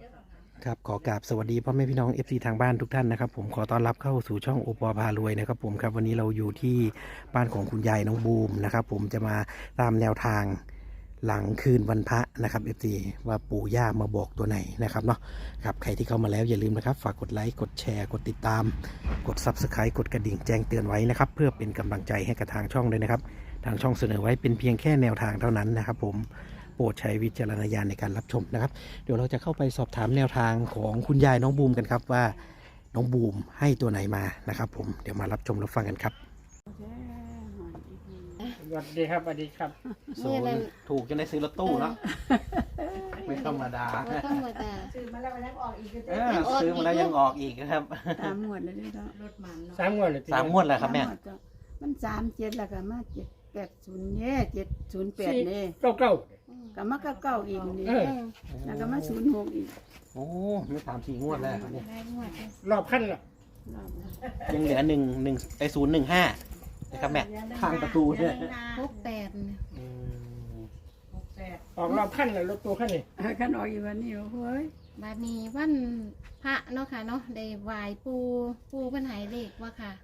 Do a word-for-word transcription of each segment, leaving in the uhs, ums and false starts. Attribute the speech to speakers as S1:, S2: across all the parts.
S1: ครับขอกราบสวัสดีพ่อแม่พี่น้อง เอฟ ซี ทางบ้านทุกท่านนะครับผมขอต้อนรับเข้าสู่ช่องโอปอพารวยนะครับผมครับวันนี้เราอยู่ที่บ้านของคุณยายน้องบูมนะครับผมจะมาตามแนวทางหลังคืนวันพระนะครับ เอฟ ซี ว่าปู่ย่ามาบอกตัวไหนนะครับเนาะครับใครที่เข้ามาแล้วอย่าลืมนะครับฝากกดไลค์กดแชร์กดติดตามกด ซับสไครบ์ กดกระดิ่งแจ้งเตือนไว้นะครับเพื่อเป็นกำลังใจให้กับทางช่องด้วยนะครับทางช่องเสนอไว้เป็นเพียงแค่แนวทางเท่านั้นนะครับผมโปรดใช้วิจารณญาณในการรับชมนะครับเดี๋ยวเราจะเข้าไปสอบถามแนวทางของคุณยายน้องบูมกันครับว่าน้องบูมให้ตัวไหนมานะครับผมเดี๋ยวมารับชมรับฟังกันครับ
S2: สวัสดีครับสวัสดีครับ
S1: ศูนย์ถูกจนได้ซื้อรถตู้เนาะไม่ธรรมดา
S3: บ่ธรรมดา
S4: ซื้อมาแล้วมันยังออกอีกก็
S1: เอ
S4: ได้
S1: อซื้อมาแล้วยังออกอีกครับ
S5: สามหมวดเลยเนาะ
S4: รถมันเนาะ
S2: สามงวดเลย
S1: สามงวดแล้วครับแม่
S5: สาหวดจ้ะมันสามเจ็ดแล้วก็มาเจ็ดแปดศูนย์เนี่ยเจ็ดศูนย์แปดเนี่ย
S2: เก้าเก้า
S5: ก็มาเก้าเก้าอีกนี่
S2: เออ
S5: แล้วก็มาศูนย์หกอีก
S1: โอ้มีสามสี่งวดแล้วครับเนี่ย
S3: ได้งวดเลย
S2: รอบขั้นละ
S5: รอบละ
S1: ยังเหลือหนึ่งหนึ่งไอศูนย์หนึ่งห้านะครับแม่ข้างประตูเนี่ย
S3: หกแปดเนี่ย
S1: อืม
S4: หกแปด
S2: ออกรอบขั้นละรถตัวขั้นนี่
S5: เอาขันออกอีกวันนี้โอ้ย
S3: บาดนี้วันพระเนาะค่ะเนาะได้ไหว้ปูปูเพิ่นใหายเลขว่าค่ะ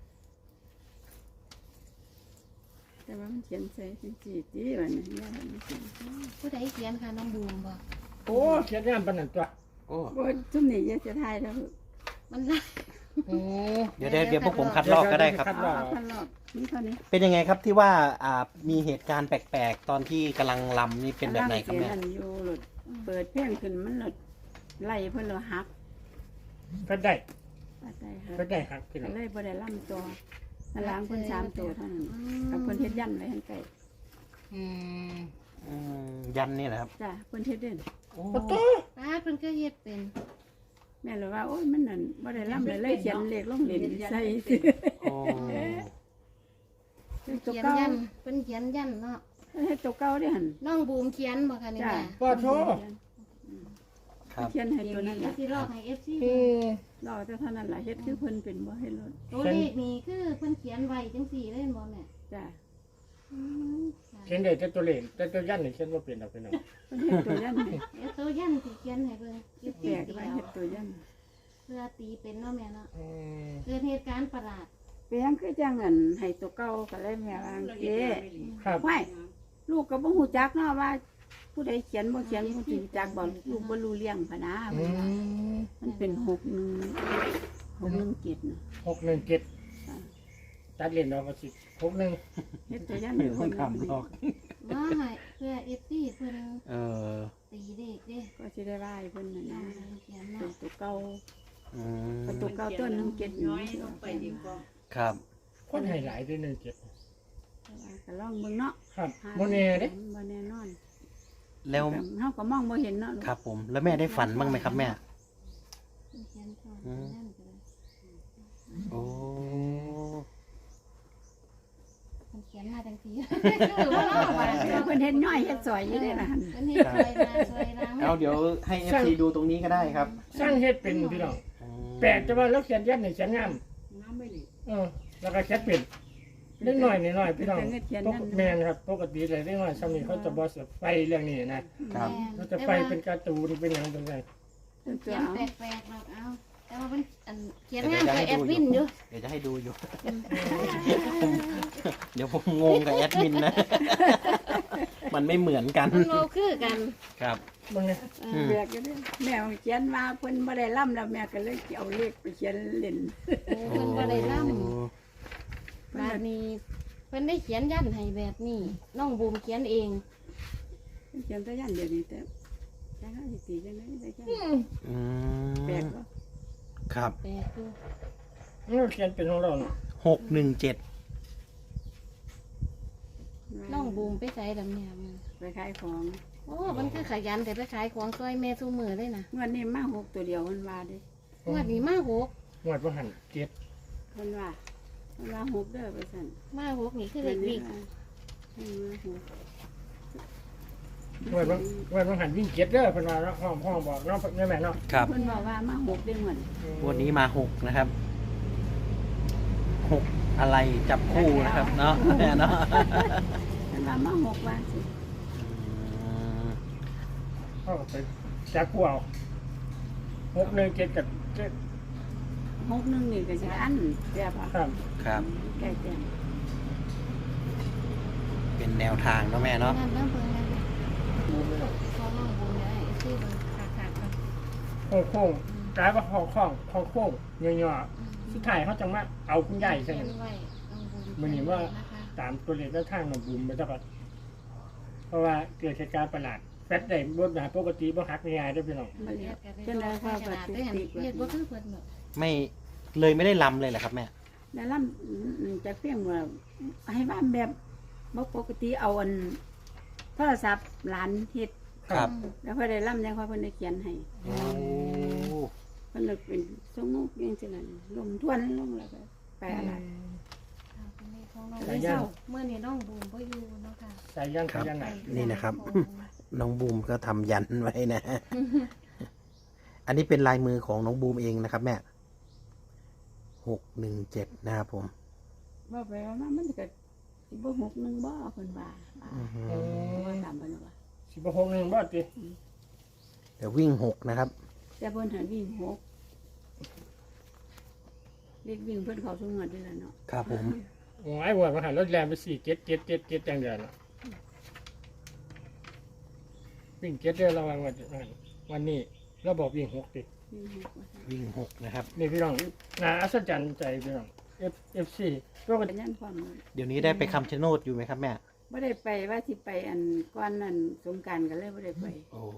S5: แต่ว่ามันเขียนใส่เป็นจีจีวันนี้ย่ามันไม่เขียน
S3: ผู้ใดเขียนค่ะน้องบูมบอก
S2: โอ้เขียนงามปานนันตัว
S1: โอ้
S5: โอ้ยทุ่มนี่จะจะทายแล้ว
S3: มันไล่
S2: อืม
S1: เดี๋ยวเดี๋ยวเดี๋ยวพวกผมคัดลอกก็ได้ครับ
S2: คัดล
S5: เอา
S2: อก
S5: ขันรอบนี่เท่านี้
S1: เป็นยังไงครับที่ว่าอ่ามีเหตุการณ์แปลกๆ ตอนที่กำลังลำนี่เป็นแบบไหนครับ
S5: เสีย
S1: แม่
S5: นั่นอยู่หลุดเปิดเพลงขึ้นมันหลุดไล่เพิ่นเราหัก
S2: เพิ่นได้
S5: ปัดได้ค่ะ
S2: เพิ่นได้ครับพี่น้
S5: ก็
S2: อง
S5: เลยบ่ได้ล่ำตัวล้างเพิ่นสามตัวเท่านั้นกับเพิ่นเฮ็ดยันไว้ให้ไก่
S3: อืม
S1: อืมยันนี่แหละครับ
S5: จ้ะเพิ่นเฮ็ดเด่น
S1: โอ้
S2: โอ้โต
S3: ป้าเพิ่นก็เฮ็ดเป็น
S5: แม่เลยว่าโอ้ยมันนั่นบ่ได้ล่ำเลยเลยเขียนเลขลงเหรียญใส่
S1: โอ้
S5: ตัว
S3: เขียน
S5: เก่า
S3: ยันเพิ่นเขียนยันเนาะ
S5: ให้ตัวเก่าได้หั่น
S3: น้องบูมเขียนบ่ค่ะนี่
S5: จ้ะ
S3: แม่
S2: พ่อโท
S1: ครับ
S5: เขียนให้
S3: เดี๋ย
S5: ตัว วนั้น
S3: นี้
S5: ล่ะ
S3: สิลอกให้ เอฟ ซี
S2: อืม
S5: รอแต่เท่านั้นล่ะเฮ็ดคือเพิ่นเป็นบ่ให้ลด
S3: ตัวเลขนี่คือเพิ่นเขียนไว้จังซี่เลยบ่แม่
S5: จ้ะ
S3: อืมค่ะ
S2: เขียนได้แต่ตัวเลขแต่ตัวยันนี่เขียนว่าเป็นดอกพี่น้อง
S5: เพิ่นเฮ็ดตัวยันให้
S3: เดี๋ยวตัวยันสิเขียนให้เบิ่ง
S5: แปลกไว้เฮ็ดตัวยัน
S3: เพื่อตีเป็นเนาะแม่เนาะ
S2: อืม
S3: เกิดเหตุการณ์ประหลาด
S5: เปียงคือจังอันให้ตัวเก่าก็เลยแม่ว่าเอ๊ะ
S2: ครับ
S5: ไว้ลูกก็บ่ฮู้จักเนาะว่า ผู้ใดเขียนบ่เขียนผู้สิรู้จักบ่ลูกบ่รู้เรื่องพะนะ
S2: อืม
S5: มันเป็นหกหนึ่งหกหนึ่งเจ็ดน่ะ
S2: หกหนึ่งเจ็ดตัดเล่นออกมาสิหกหนึ่ง
S5: เฮ็ดตัวยัน
S1: ไม่
S5: อยู่
S1: ต้
S5: ค
S1: อง
S5: น
S1: ทำหรอก
S3: ว่าให้เพื่อเอฟซีเพิ่น
S1: เออ
S3: ตีเด็กเด้
S5: ก็สิได้ว่าให้เพิ่นน่ะ
S3: น้อ
S5: นะ
S3: งเขียน
S5: เป็
S3: เนาะ
S5: นตัวเก่า
S1: อืม
S5: เป็นตัวเก่าต้นหนึ่งเจ็ด
S4: น้อยลงไปดีกว่า
S1: ครับ
S2: คนให้หลายด้วยหนึ่งเจ็ด
S5: ก็ลองเบิ่งเนาะ
S2: ครับโมเน่เด้
S5: บ่แน่นอน
S1: แล้ว
S5: เฮาก็มองบ่เห็นเนาะ
S1: ครับผมแล้วแม่ได้ฝันบ้างไหมครับแม่
S3: เพิ่นเขียนก่อนนั่นก็ได้
S1: โอ้
S3: เพิ่นเขียนมาจังซี่คือว่าเนาะว่า
S5: เออเพิ่นเฮ็ดย่อยเฮ็ดซอยอยู่ได้ล่ะหั่น
S3: เพิ่นเฮ็ดซอยมาซอยล้าง
S1: เอาเดี๋ยวให้เอฟซีดูตรงนี้ก็ได้ครับ
S2: สร้างเฮ็ดเป็นพี่น้อง
S1: อืม
S2: แปลกแต่ว่าแล้วเขียนยันนี่เขียนงาม
S4: น้ำไม่ดี
S2: เออแล้วก็เขียนเป็นเล็กน้อยนิดหน่อยพี่น้อง
S5: เพิ่นเขียน
S2: ป
S5: นั่
S2: ก
S5: น
S2: แมนครับปกติเลยเล็กน้อยซ้ำนี่เขาจะบอสไฟเรื่องนี้นะครับ เขาจะไฟเป็นการ์ตูนเป็นอย่างเป็นไง
S5: ตัว
S3: เขียน
S5: เอา
S3: แปลกๆหรอกเอาแต่ว่ามันอันเขียนงานกับแอดมินอยู่
S1: เดี๋ยวจะให้ดูอยู่ เดี๋ยวผมงงกับแอดมินนะ มันไม่เหมือนกัน
S3: มันโลคือกัน
S1: ครับ
S2: มึงไง
S3: เอ
S1: อื
S3: อ
S1: ม
S5: แบกอยู่เด้แม่เขียนว่าเพิ่นบ่ได้ล่ำแล้วแม่ก็เลยเอาเลขไปเขียนเล่น
S3: เออเพิ่นบ่ได้ล่ำ
S1: โอ้
S3: บาดนี้เพิ่นได้เขียนยันให้แบบนี้น้องบูมเขียนเอง
S5: เขียนตัวยันเดี๋ยวนี้แต่จังหาสิตีจังได๋ได้จัง
S1: อื
S5: แปลก
S1: ม
S5: บ่
S1: ครับ
S3: แปลกอยู่
S2: มันเขียนเป็นของเราเนาะ
S1: หกหนึ่งเจ็ด
S3: น้องบูมไปใส่ดำเนี่ยมัน
S5: ไปขายของ
S3: โอ้มันคือขยันแต่ไปขายของซอยแม่ซูมือเลยนะ
S5: งวดนี้มาหกตัวเดียวมันว่าเด้
S3: งวดนี้มาหก
S2: หวดว่าหันเจ็ด
S5: เพิ่นว่าเพิ่นว่าหกเด้อไปสั่น
S3: มาหกนี่คือเด็กวิ่ง
S5: เพิ่นว่าหก
S2: หวดว่าหวดว่าหันวิ่งเจ็ดเด้อเป็นว่าเนาะห้องห้องบอกเนาะแม่แม่เนาะ
S1: ครับ
S5: เพิ่นบอกว่ามาหกเด้อเหมือน
S1: วันนี้มาหกนะครับ หกอะไรจับคู่นะครับ เนาะแม่เนาะ
S5: เพิ่นว่ามาหกว่าสิ
S1: อืม
S2: เขาไปจับกูเอา
S5: จ
S2: หกหนึ่งเจ็ดกับเจ็ด
S5: หกหนึ่งนี่ก็สิอันแซ่บอ่ะ
S2: ครับ
S1: ครับ
S5: แก่แก่
S1: เป็นแนวทางเนาะแม่เนาะ
S3: นั่นเริ่มเบิ่งแล้วเนี่ย
S2: บูมเลย
S3: ขอลองบุญเลยที่เบิ่งขาดๆกัน
S2: โค้งโค้งกลายว่าคองคองคองโค้งเงี้ยๆสุดท้ายเขาจังมาเอาคุณใหญ่ใช่ไหม
S3: ไว้ลองบุญ
S2: มันเห็นว่า
S3: นะคะ
S2: ตามตัวเลขแล้วทางน้องบูมไปสักพักเพราะว่าเกิดเหตุการณ์ประหลาดแฟตได้บนหาปกติบ่หักง่ายๆได้อพี่น้อง
S5: มา
S3: เรี
S5: เรี
S3: ย
S5: ย
S3: ก
S5: ก
S3: กัน
S5: จนได้
S3: ได้
S5: ว่า
S3: ข
S5: บัด
S3: นาด
S5: ติ
S3: ได้เห็น
S5: ติก
S3: เฮ็ดบ่คือเพิ่นเนาะ
S1: ไม่เลยไม่ได้ลำเลยเหรอครับแม่
S5: แล้วลำจะเพียงว่าให้ว่าแบบบ่ปกติเอาอันโทรศัพท์หลานเฮ็ด
S1: ครับ
S5: แล้วพอได้ลำแล้วพอเพิ่นได้เขียนให้
S1: โอ้
S5: เพิ่นเลยเป็นสงมุกอย่างจังนั้นลมทวนลงแล้วก็ไปอะไร
S3: ค่ะเป็นเลขของน้อง
S2: สายย่าง
S3: เมื่อนี้น้องบูมบ่อยู่เนาะค่ะ
S2: ใส่ย่าง
S1: ครับ
S2: ใส่ย่างหนัก
S1: นี่นะครับ น้องบูมก็ทำยันไว้นะ อันนี้เป็นลายมือของน้องบูมเองนะครับแม่หกหนึ่งเจ็ดนะครับผม
S5: ว่าไปว่ามามันก็สิบ่หกหนึ่งบ่เพิ่นว่าว่า
S1: อือฮึ
S5: ว่าตามเพิ่นว่า
S2: สิบหกหนึ่งบ่ติ
S1: เดี๋ยววิ่งหกนะครับ
S5: แต่เพิ่นหันวิ่งหกเรียกวิ่งเพิ่นเขาสงวนด้วยล่ะเนาะ
S1: ครับผม
S2: โอ้ยว่ามาหันรถแรงไปสี่เจ็ดเจ็ดเจ็ดเจ็ดจังเดือนละวิ่งเจ็ดเดือนระวังวันวันนี้เราบอกวิ่งหกติ
S5: วิ่งหกว่าซั่น
S1: วิ่งหกนะครับ
S2: นี่พี่น้องน่าอัศจรรย์ใจพี่น้อง F F C ก็
S5: เป็นยันความรู้
S1: เดี๋ยวนี้ได้ไปคำชะโนดอยู่ไหมครับแม่
S5: บ่ได้ไปว่าสิไปอันก่อนนั้นสงกรานต์ก็เลยบ่ได้ไป
S1: โอ้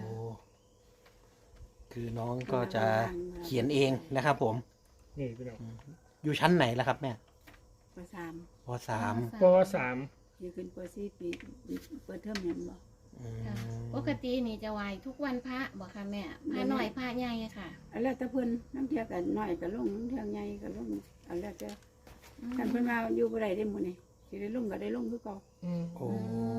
S1: คือน้องก็จะเขียนเองนะครับผม
S2: นี่พี่น้อง
S1: อยู่ชั้นไหนล่ะครับแม่
S5: ปสาม
S1: ปสาม
S2: ปสาม
S5: อยู่ขึ้นปสี่ปีเปิดเทอมแม่นบ่
S1: อืม
S3: ค่ะปกตินี่จะไหว้ทุกวันพระบ่ค่ะแม่พระน้อยพระใหญ่ค่ะ
S5: อันแล้วแต่เพิ่นน้ำเที่ยกันน้อยก็ลงน้ำเที่ยใหญ่ก็ลงอันแล้วแต่คันเพิ่นว่าอยู่บ่ได้เด้มื้อนี้สิได้ลงก็ได้ลงคือเก่า
S2: อืม
S1: โอ้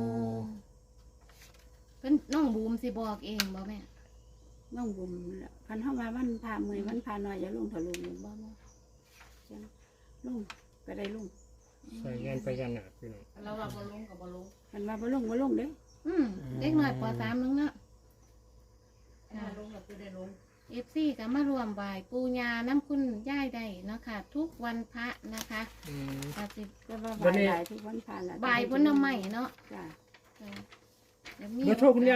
S3: เพิ่นน้องบูมสิบอกเองบ่แม่
S5: น้องบุญแหละคันเฮาว่ามันพามื้อมันพาน้อยอย่าลงทะลุบ่บ่จังลงก็ได้ลง
S2: ใส่เงินไปยันหนักพี่น้อง
S4: เราว่าบ่ลงกับบ่ลง
S5: คันว่าบ่ลงบ่ลงเด้
S3: อืมเด็กน้อยปสามนึงเนาะ
S4: ถ้าลงก็คือได้ลง
S3: เอฟซีก็มารวมไหว้ปูญาน้ำคุณย่ายได้เนาะค่ะ ทุกวันพระนะคะ
S2: อืม
S3: ก็สิ
S5: ก็ว่า
S2: วั
S5: บาน ย
S2: นี้
S5: หลายทุกวันผ่านแล้ว
S3: บ่ายบนน้ำใหม่เนาะ
S5: จ้ะ
S3: ค่ะเดี๋ยวมี
S2: เบอร์โทรคุณยาย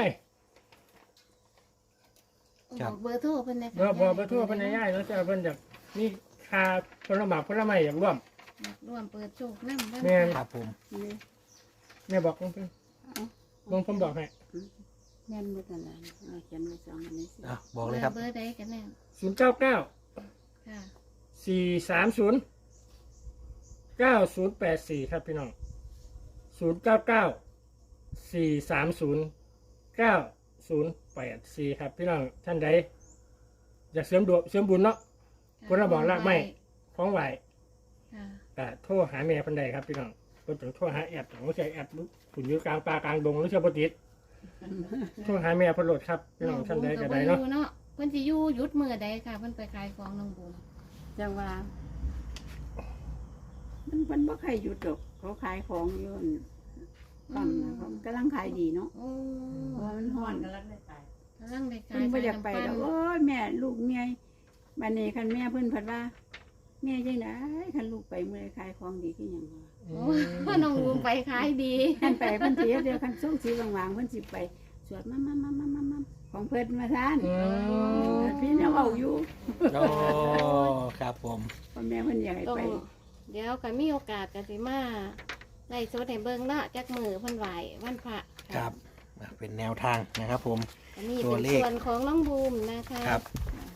S3: บอกเบอร์โทรเพิ่นได้
S2: เบอร์เบอร์เบอร์โทรเพิ่นให้ยายแล้วจะเพิ่นอยากนี่ค่าผลไม้ผลไม้อยากร่วม
S3: ร่วมเปิดโชคนำบ้าง
S2: แม่น
S1: ครับผม
S5: นี่
S2: แม่บอกเพิ่นเพิ่น
S5: เอา
S2: ลงผมบอกให้
S5: แม่นหมดนั่นแหละเอาเขียนไว้สองอันนี้สิ
S1: อ่ะบอกเลยครับ
S3: เบอร์ใดกันแน่
S2: ศูนย์เก้าเก้า
S3: ค่ะ
S2: สี่สามศูนย์เก้าศูนย์แปดสี่ครับพี่น้องศูนย์เก้าเก้าสี่สามศูนย์เก้าศูนย์แปดสี่ครับพี่น้องท่านใดอยากเสริมดวงเสริมบุญเนาะ เพิ่นน่ะบอกลากไม้ ของไหว
S3: ค่ะ
S2: แต่โทรหาแม่เพันใดครับพี่น้องก็ต้องโทรหาแอดของใช้แอดขุนอยู่กลางป่ากลางดงหรือเชื่อปติดโทรหาแม่เพนโหลดครับพี่น้องท่านใดก็ได้เนาะ
S3: องบูมก็บ่อยู่เนาะเพิ่นสิอยู่หยุดมื้อใดค่ะเพิ่นไปขายของน้องบูม
S5: จังว่า มันมันบ่ใครหยุดดอกเขาขายของอยู่นั่นปั๊มนะเขากำลังขายดีเนาะ
S3: โอ้
S5: เพราะว่ามันฮ้
S4: ฮ้
S5: อ
S4: อน
S5: น
S4: กันแล้วได้ตาย
S3: กำลังได้ขา
S5: เพิ่
S3: ย
S5: นบ่อยากไปดอก
S3: ขนม
S5: โอ้ยแม่ลูกเมียบัดนี้คันแม่เพิ่นเพิ่นว่า แม่จังได๋คันลูกไปเมื่อขายของดีคือหยังวะ
S3: โอ้พ่อน้องบูมไปขายดี
S5: คันไปเพิ่นสิเดี๋ยวคันส่งสีวางๆเพิ่นสิไปสวดมามามามามามาของเพิ่นมาทาน
S2: อืม
S5: พี่ยังเอาอยู่
S1: โอ้ครับผม
S5: พ่อแม่เพิ่นอยากให้
S3: ต้อง
S5: ไป
S3: เดี๋ยวก็มีโอกาสก็สิมาไล่สดให้เบิ่งเนาะจักมือเพิ่นไหววันพระะ
S1: ครับอ่ะเป็นแนวทางนะครับผม
S3: อันนี้
S1: ตัว
S3: เป็น
S1: เลข
S3: ส่วนของน้องบูมนะคะ
S1: ครับ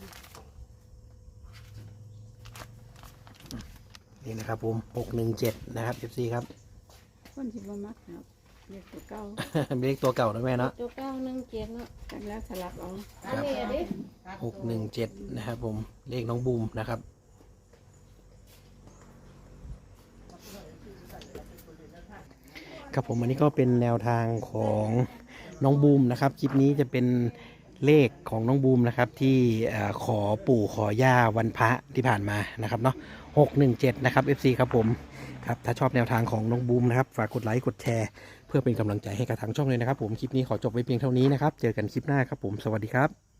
S1: นี่นะครับผมหกหนึ่งเจ็ดนะครับ เอฟ ซี ครับ
S5: คนสิบ่มักครับเรียกตัวเก่า
S1: เลขตัวเก่านะแม่เนาะ
S3: ตัวเก้าหนึ่งเจ็ดเนาะ
S5: จังแล้วสลับเอา
S3: อันนี้อะดิ
S1: หกหนึ่งเจ็ดนะครับผม เลขน้องบูมนะครับ ครับผมอันนี้ก็เป็นแนวทางของน้องบูมนะครับ คลิปนี้จะเป็นเลขของน้องบูมนะครับ ที่เอ่อขอปู่ขอย่าวันพระที่ผ่านมานะครับเนาะหกหนึ่งเจ็ดนะครับ เอฟ ซี ครับผมครับถ้าชอบแนวทางของน้องบูมนะครับฝากกดไลค์กดแชร์เพื่อเป็นกำลังใจให้กับทางช่องเลยนะครับผมคลิปนี้ขอจบไว้เพียงเท่านี้นะครับเจอกันคลิปหน้าครับผมสวัสดีครับ